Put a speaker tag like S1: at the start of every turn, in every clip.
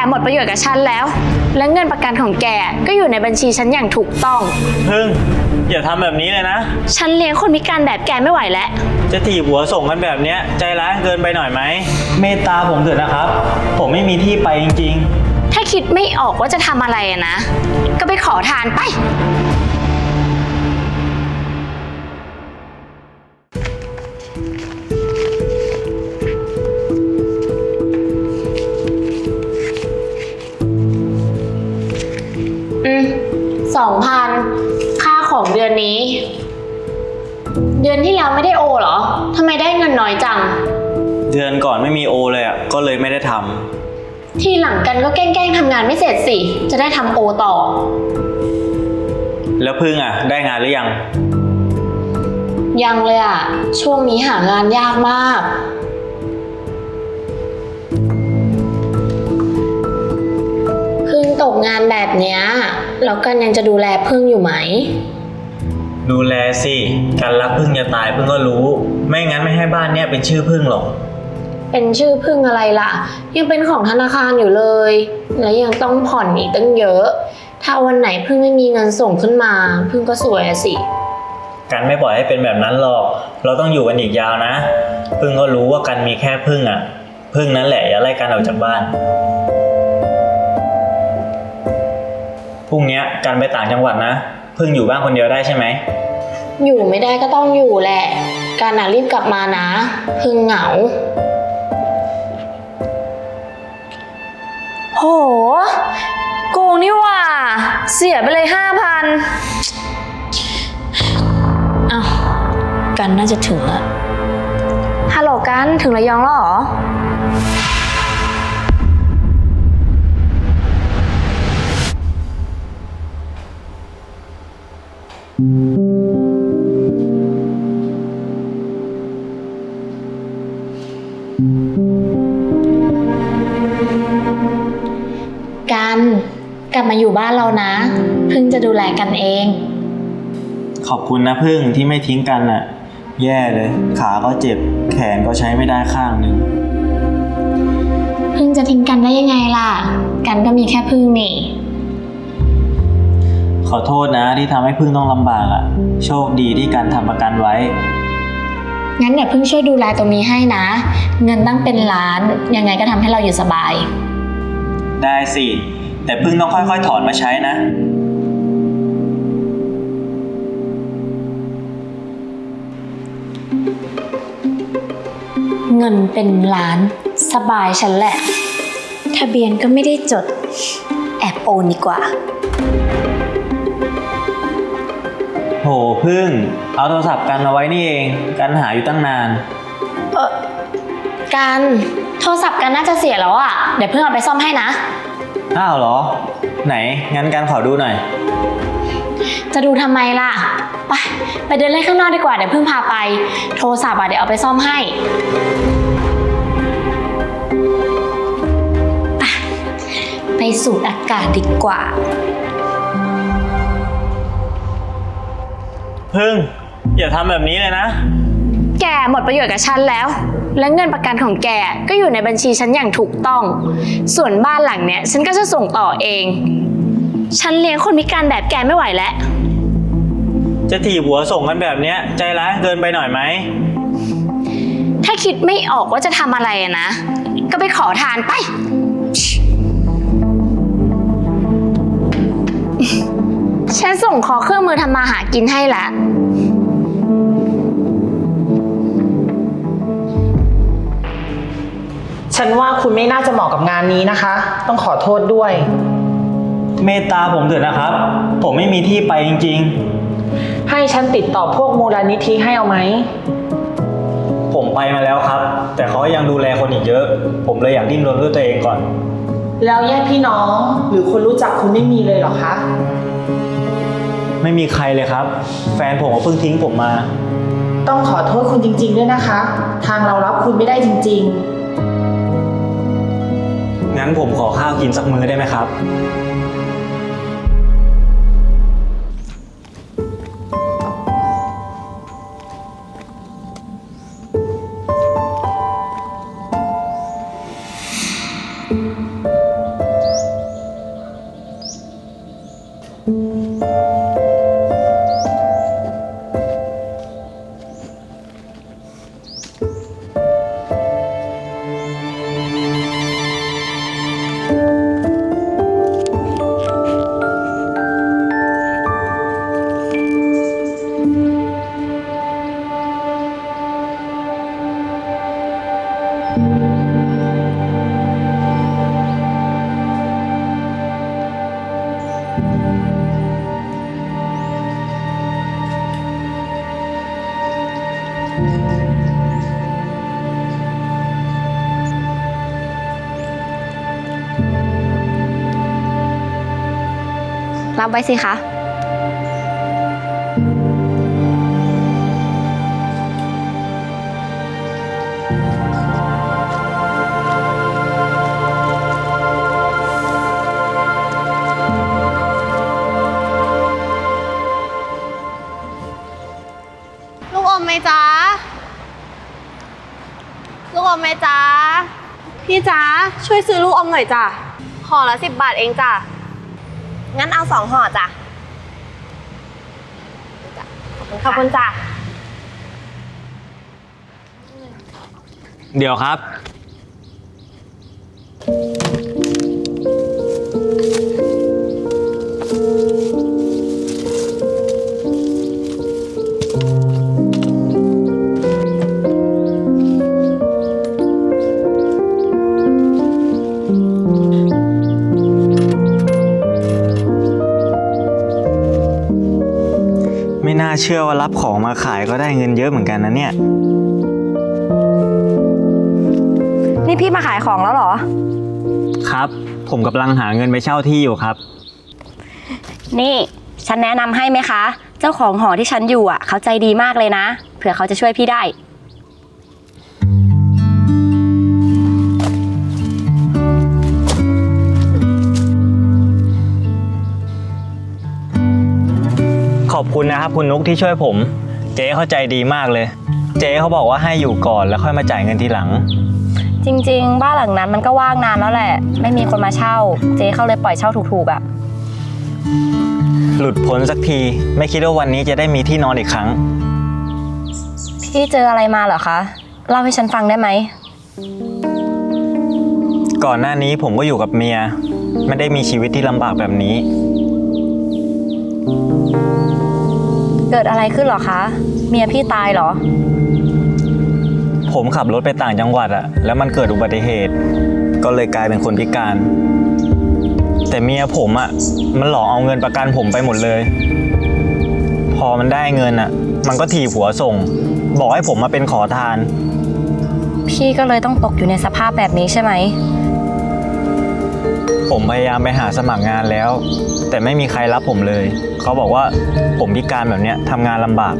S1: หมดประโยชน์กับฉันแล้วและเงินประกันของแกก็อยู่ในบัญชีฉันอย่างถูกต้อง
S2: พึ่งอย่าทำแบบนี้เลยนะ
S1: ฉันเลี้ยงคนพิการแบบแกไม่ไหวแล้ว
S2: จะถีบหัวส่งกันแบบนี้ใจร้ายเกินไปหน่อยไหมเมตตาผมเถอะนะครับผมไม่มีที่ไปจริง
S1: ๆถ้าคิดไม่ออกว่าจะทำอะไรนะก็ไปขอทานไป2,000ค่าของเดือนนี้เดือนที่แล้วไม่ได้โอเหรอทำไมได้เงินน้อยจัง
S2: เดือนก่อนไม่มีโอเลยอ่ะก็เลยไม่ได้ท
S1: ำทีหลังกันก็แกล้งทำงานไม่เสร็จสิจะได้ทำโอต่อ
S2: แล้วพึ่งอ่ะได้งานหรือยัง
S1: ยังเลยอ่ะช่วงนี้หางานยากมากพึ่งตกงานแบบเนี้ยแล้วกันยังจะดูแลพึ่งอยู่ไหม
S2: ดูแลสิกันรักพึ่งจะตายพึ่งก็รู้ไม่งั้นไม่ให้บ้านเนี้ยเป็นชื่อพึ่งหรอก
S1: เป็นชื่อพึ่งอะไรล่ะยังเป็นของธนาคารอยู่เลยและยังต้องผ่อนอีกตั้งเยอะถ้าวันไหนพึ่งไม่มีเงินส่งขึ้นมาพึ่งก็สวยสิ
S2: กันไม่ปล่อยให้เป็นแบบนั้นหรอกเราต้องอยู่กันอีกยาวนะพึ่งก็รู้ว่ากันมีแค่พึ่งอ่ะพึ่งนั่นแหละอย่าไล่กันออกจากบ้านพรุ่งนี้กันไปต่างจังหวัดนะพึ่งอยู่บ้านคนเดียวได้ใช่ไหม
S1: อยู่ไม่ได้ก็ต้องอยู่แหละการรีบกลับมานะพึ่งเหงาโหโกงนี่หว่าเสียไปเลย 5,000 อ้าวกันน่าจะถึงแล้วฮัลโหลกันถึงระยองแล้วเหรอกันกลับมาอยู่บ้านเรานะพึ่งจะดูแลกันเอง
S2: ขอบคุณนะพึ่งที่ไม่ทิ้งกันน่ะแย่เลยขาก็เจ็บแขนก็ใช้ไม่ได้ข้างนึง
S1: พึ่งจะทิ้งกันได้ยังไงล่ะกันก็มีแค่พึ่งนี่
S2: ขอโทษนะที่ทำให้พึ่งต้องลำบากอ่ะโชคดีที่กันทำประกันไว้
S1: งั้นเดี๋ยวพึ่งช่วยดูแลตรงนี้ให้นะเงินตั้งเป็นล้านยังไงก็ทำให้เราอยู่สบาย
S2: ได้สิแต่พึ่งต้องค่อยๆถอนมาใช้นะ
S1: เงินเป็นล้านสบายฉันแหละทะเบียนก็ไม่ได้จดแอบโอนดีกว่า
S2: โหพึ่งเอาโทรศัพท์กันมาไว้นี่เองกันหาอยู่ตั้งนาน
S1: กันโทรศัพท์กันน่าจะเสียแล้วอ่ะเดี๋ยวเพิ่งเอาไปซ่อมให้นะ
S2: อ้าวเหรอไหนงั้นกันขอดูหน่อย
S1: จะดูทำไมล่ะไปเดินเล่นข้างนอกดีกว่าเดี๋ยวเพิ่งพาไปโทรศัพท์เดี๋ยวเอาไปซ่อมให้ไปสูดอากาศดีกว่า
S2: พึ่งอย่าทำแบบนี้เลยนะ
S1: แกหมดประโยชน์กับฉันแล้วและเงินประกันของแกก็อยู่ในบัญชีฉันอย่างถูกต้องส่วนบ้านหลังเนี้ยฉันก็จะส่งต่อเองฉันเลี้ยงคนพิการแบบแกไม่ไหวแล้ว
S2: จะถีบหัวส่งกันแบบนี้ใจร้ายเกินไปหน่อยไหม
S1: ถ้าคิดไม่ออกว่าจะทำอะไรนะก็ไปขอทานไปฉันส่งขอเครื่องมือทำมาหากินให้ละ
S3: ฉันว่าคุณไม่น่าจะเหมาะกับงานนี้นะคะต้องขอโทษด้วย
S2: เมตตาผมเถอะนะครับผมไม่มีที่ไปจริงๆ
S3: ให้ฉันติดต่อพวกมูลนิธิให้เอาไหม
S2: ผมไปมาแล้วครับแต่เขายังดูแลคนอีกเยอะผมเลยอยากดิ้นรนด้วยตัวเองก่อน
S3: แล้วญาติพี่น้องหรือคนรู้จักคุณไม่มีเลยเหรอคะ
S2: ไม่มีใครเลยครับแฟนผมก็เพิ่งทิ้งผมมา
S3: ต้องขอโทษคุณจริงๆด้วยนะคะทางเรารับคุณไม่ได้จริง
S2: ๆงั้นผมขอข้าวกินสักมื้อได้ไหมครับ
S4: รับไว้สิคะ
S5: ลูกอมไหมจ๊ะ ลูกอมไหมจ๊ะ พี่จ๊ะช่วยซื้อลูกอมหน่อยจ้ะห่อละ10 บาทเองจ้ะ
S4: งั้นเอา2 ห่อจ้ะ
S5: ขอบคุณจ้ะ
S2: เดี๋ยวครับ ไม่น่าเชื่อว่ารับของมาขายก็ได้เงินเยอะเหมือนกันนะเนี่ย
S4: นี่พี่มาขายของแล้วเหรอ
S2: ครับ ผมกำลังหาเงินไปเช่าที่อยู่ครับ
S4: นี่ฉันแนะนำให้ไหมคะ เจ้าของหอที่ฉันอยู่อ่ะเขาใจดีมากเลยนะ เผื่อเขาจะช่วยพี่ได้
S2: ขอบคุณนะครับคุณนุกที่ช่วยผม เจ๊เข้าใจดีมากเลย เจ๊เขาบอกว่าให้อยู่ก่อนแล้วค่อยมาจ่ายเงินทีหลัง
S4: จริงๆ บ้านหลังนั้นมันก็ว่างนานแล้วแหละ ไม่มีคนมาเช่า เจ๊เขาเลยปล่อยเช่าถูกๆอ่ะ
S2: หลุดพ้นสักที ไม่คิดว่าวันนี้จะได้มีที่นอนอีกครั้ง
S4: พี่เจออะไรมาเหรอคะ เล่าให้ฉันฟังได้ไหม
S2: ก่อนหน้านี้ผมก็อยู่กับเมีย ไม่ได้มีชีวิตที่ลำบากแบบนี้
S4: เกิดอะไรขึ้นเหรอคะ เมียพี่ตายเหรอ
S2: ผมขับรถไปต่างจังหวัดอะแล้วมันเกิดอุบัติเหตุ ก็เลยกลายเป็นคนพิการ แต่เมียผมอะมันหลอกเอาเงินประกันผมไปหมดเลย พอมันได้เงินอะมันก็ถีบหัวส่ง บอกให้ผมมาเป็นขอทาน
S4: พี่ก็เลยต้องตกอยู่ในสภาพแบบนี้ใช่ไหม
S2: ผมพยายามไปหาสมัครงานแล้ว แต่ไม่มีใครรับผมเลย เขาบอกว่าผมพิการแบบเนี้ยทำงานลำบาก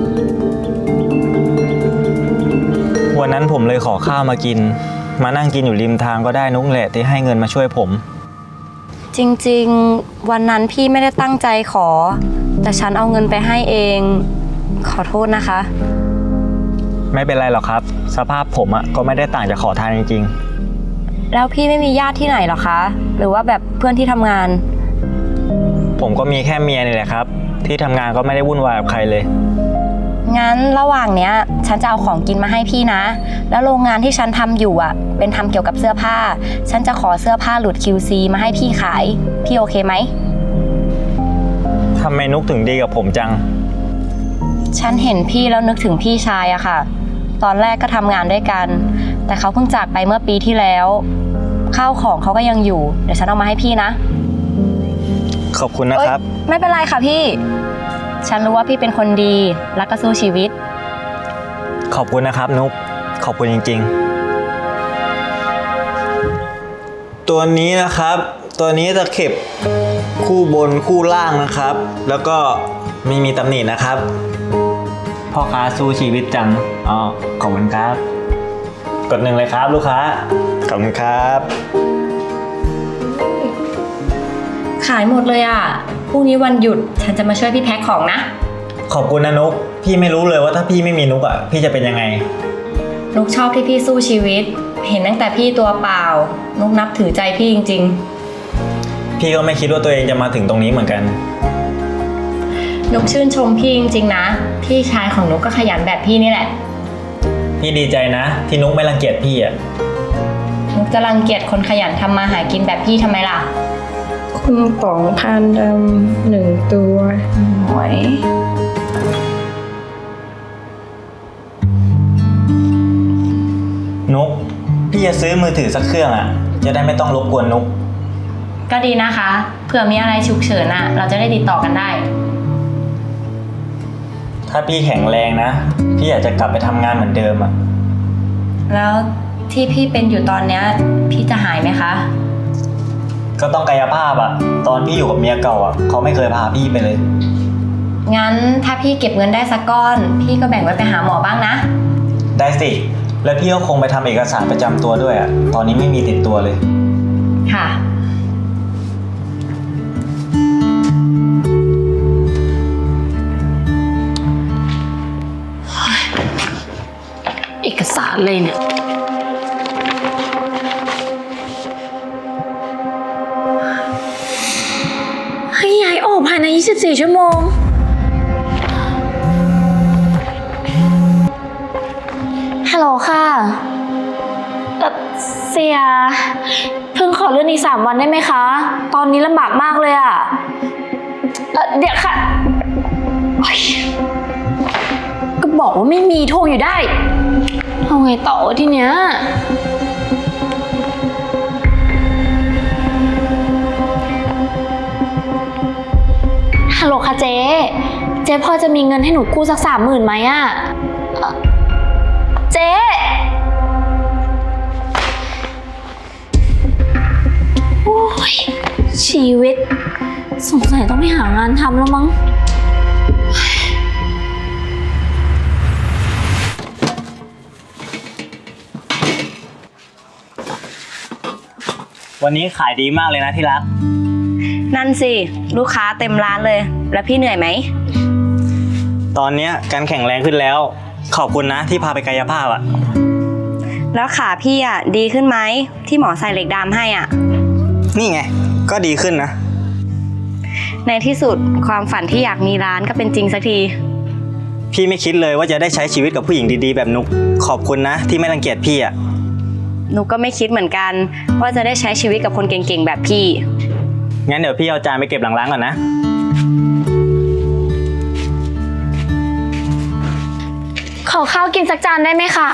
S2: วันนั้นผมเลยขอข้าวมากิน มานั่งกินอยู่ริมทางก็ได้นุ๊กแหละที่ให้เงินมาช่วยผม
S4: จริงๆ วันนั้นพี่ไม่ได้ตั้งใจขอ แต่ฉันเอาเงินไปให้เอง ขอโทษนะคะ
S2: ไม่เป็นไรหรอกครับ สภาพผมอะก็ไม่ได้ต่างจากขอทานจริง
S4: แล้วพี่ไม่มีญาติที่ไหนหรอคะ หรือว่าแบบเพื่อนที่ทำงาน
S2: ๆ ผมก็มีแค่เมียนี่แหละครับ ที่ทำงานก็ไม่ได้วุ่นวายกับใครเลย
S4: งั้นระหว่างเนี้ยฉันจะเอาของกินมาให้พี่นะ แล้วโรงงานที่ฉันทำอยู่อ่ะ เป็นทำเกี่ยวกับเสื้อผ้า ฉันจะขอเสื้อผ้าหลุด QC มาให้พี่ขาย พี่โอเคไหม
S2: ทำไมนุ๊กถึงดีกับผมจัง
S4: ฉันเห็นพี่แล้วนึกถึงพี่ชายอะค่ะ ตอนแรกก็ทำงานด้วยกัน แต่เขาเพิ่งจากไปเมื่อปีที่แล้ว ข้าวของเขาก็ยังอยู่ เดี๋ยวฉันเอามาให้พี่นะ
S2: ขอบคุณนะครับ
S4: เอ้ยไม่เป็นไรค่ะพี่ ฉันรู้ว่าพี่เป็นคนดีและก็สู้ชีวิต
S2: ขอบคุณนะครับนุ๊ก ขอบคุณจริงๆ ตัวนี้นะครับ ตัวนี้ตะเข็บคู่บนคู่ล่างนะครับ แล้วก็ไม่มีตำหนินะครับ พ่อค้าสู้ชีวิตจัง อ๋อ ขอบคุณครับ กด1เลยครับลูกค้า ขอบคุณครับ
S4: ขายหมดเลยอ่ะ พรุ่งนี้วันหยุดฉันจะมาช่วยพี่แพ็คของนะ
S2: ขอบคุณนะนุ๊ก พี่ไม่รู้เลยว่าถ้าพี่ไม่มีนุ๊กอ่ะ พี่จะเป็นยังไง
S4: นุกชอบที่พี่สู้ชีวิต เห็นตั้งแต่พี่ตัวเปล่า นุกนับถือใจพี่จริง
S2: พี่ก็ไม่คิดว่าตัวเองจะมาถึงตรงนี้เหมือนกัน
S4: ๆ นุกชื่นชมพี่จริงๆนะ พี่ชายของนุกก็ขยันแบบพี่นี่แหละ
S2: พี่ดีใจนะ ที่นุ๊กไม่รังเกียจพี่อ่ะ
S4: นุกจะรังเกียจคนขยันทำมาหากินแบบพี่ทำไมล่ะ
S6: คุณป๋องพานดำ1 ตัวหอย
S2: นุ๊ก พี่จะซื้อมือถือสักเครื่องอ่ะ จะได้ไม่ต้องรบกวนนุ๊ก
S4: ก็ดีนะคะ เผื่อมีอะไรฉุกเฉินอ่ะ เราจะได้ติดต่อกันได้
S2: ถ้าพี่แข็งแรงนะ พี่อยากจะกลับไปทำงานเหมือนเดิมอ่ะ
S4: แล้วที่พี่เป็นอยู่ตอนเนี้ยพี่จะหายไหมคะ
S2: ก็ต้องกายภาพอะตอนพี่อยู่กับเมียเก่าอะเขาไม่เคยพาพี่ไปเลย
S4: งั้นถ้าพี่เก็บเงินได้สักก้อน พี่ก็แบ่งไว้ไปหาหมอบ้างนะ
S2: ได้สิ แล้วพี่ก็คงไปทำเอกสารประจำตัวด้วยอะตอนนี้ไม่มีติดตัวเลย
S4: ค่ะ
S1: เอกสารเลยเนี่ยให้ย้ายออกภายใน 24 ชั่วโมง ฮัลโหลค่ะเสีย เพิ่งขอเลื่อนอีก3 วันได้ไหมคะ ตอนนี้ลำบากมากเลยอะเดี๋ยวค่ะโอ๊ยก็บอกว่าไม่มีโทรอยู่ได้เอาไงต่อทีเนี้ยฮัลโหลค่ะเจ๊พอจะมีเงินให้หนูกู้สัก30,000ไหมอะเจ๊โอ้ยชีวิตสงสัยต้องไปหางานทำแล้วมั้ง
S2: วันนี้ขายดีมากเลยนะที่รัก
S4: นั่นสิ ลูกค้าเต็มร้านเลย แล้วพี่เหนื่อยไหม
S2: ตอนเนี้ยการแข็งแรงขึ้นแล้ว ขอบคุณนะที่พาไปกายภาพอะ
S4: แล้วขาพี่อ่ะดีขึ้นไหมที่หมอใส่เหล็กดามให้อ่ะ
S2: นี่ไง ก็ดีขึ้นนะ
S4: ในที่สุดความฝันที่อยากมีร้านก็เป็นจริงสักที
S2: พี่ไม่คิดเลยว่าจะได้ใช้ชีวิตกับผู้หญิงดีๆแบบนุก ขอบคุณนะที่ไม่รังเกียจพี่อะ
S4: หนูก็ไม่คิดเหมือนกัน ว่าจะได้ใช้ชีวิตกับคนเก่งๆแบบพี่
S2: งั้นเดี๋ยวพี่เอาจานไปเก็บหลังร้านก่อนนะ
S1: ขอข้าวกินสักจานได้ไหมคะ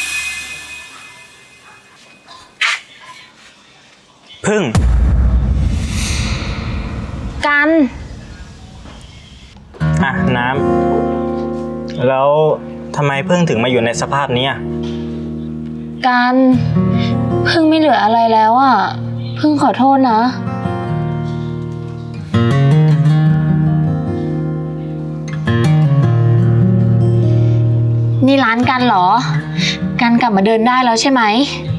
S2: พึ่ง
S1: กัน
S2: อ่ะน้ำ แล้วทำไมพึ่งถึงมาอยู่ในสภาพนี้อะ
S1: กันเพิ่งไม่เหลืออะไรแล้วอ่ะเพิ่งขอโทษนะ นี่ร้านกันเหรอ กันกลับมาเดินได้แล้วใช่ไหม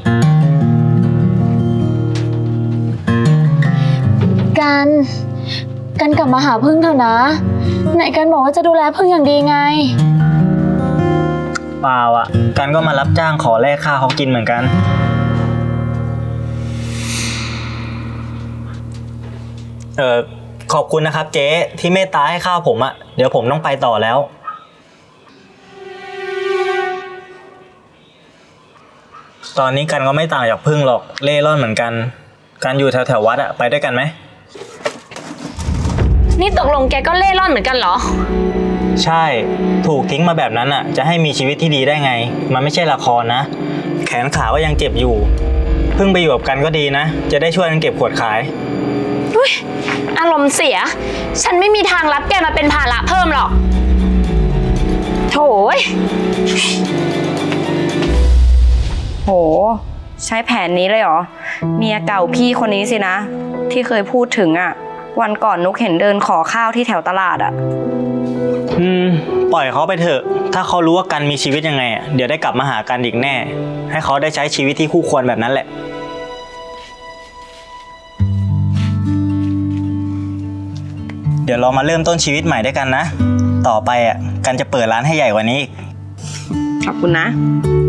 S1: กันกลับมาหาพึ่งเถอะนะ ไหนกันบอกว่าจะดูแลพึ่งอย่างดีไง
S2: เปล่าอ่ะ กันก็มารับจ้างขอแลกข้าวเขากินเหมือนกัน ขอบคุณนะครับเจ๊ที่เมตตาให้ข้าวผมอ่ะ เดี๋ยวผมต้องไปต่อแล้ว ตอนนี้กันก็ไม่ต่างจากพึ่งหรอก เล่ร่อนเหมือนกัน กันอยู่แถววัดอ่ะ ไปด้วยกันไหม
S1: นี่ตกลงแกก็เล่ร่อนเหมือนกันเหรอ
S2: ใช่ ถูกทิ้งมาแบบนั้นอ่ะ จะให้มีชีวิตที่ดีได้ไง มันไม่ใช่ละครนะ แขนขาก็ยังเจ็บอยู่ พึ่งไปอยู่กับกันก็ดีนะ จะได้ช่วยกันเก็บขวดขาย
S1: อุ๊ยอารมณ์เสีย ฉันไม่มีทางรับแกมาเป็นภาระเพิ่มหรอก โถ่ย
S4: โห ใช้แผนนี้เลยเหรอ เมียเก่าพี่คนนี้สินะ ที่เคยพูดถึงอ่ะ วันก่อนนุกเห็นเดินขอข้าวที่แถวตลาดอ่ะ
S2: ปล่อยเขาไปเถอะ ถ้าเขารู้ว่ากันมีชีวิตยังไงอะเดี๋ยวได้กลับมาหากันอีกแน่ ให้เขาได้ใช้ชีวิตที่คู่ควรแบบนั้นแหละ เดี๋ยวเรามาเริ่มต้นชีวิตใหม่ด้วยกันนะ ต่อไปอ่ะ กันจะเปิดร้านให้ใหญ่กว่านี้อีก
S4: ขอบคุณนะ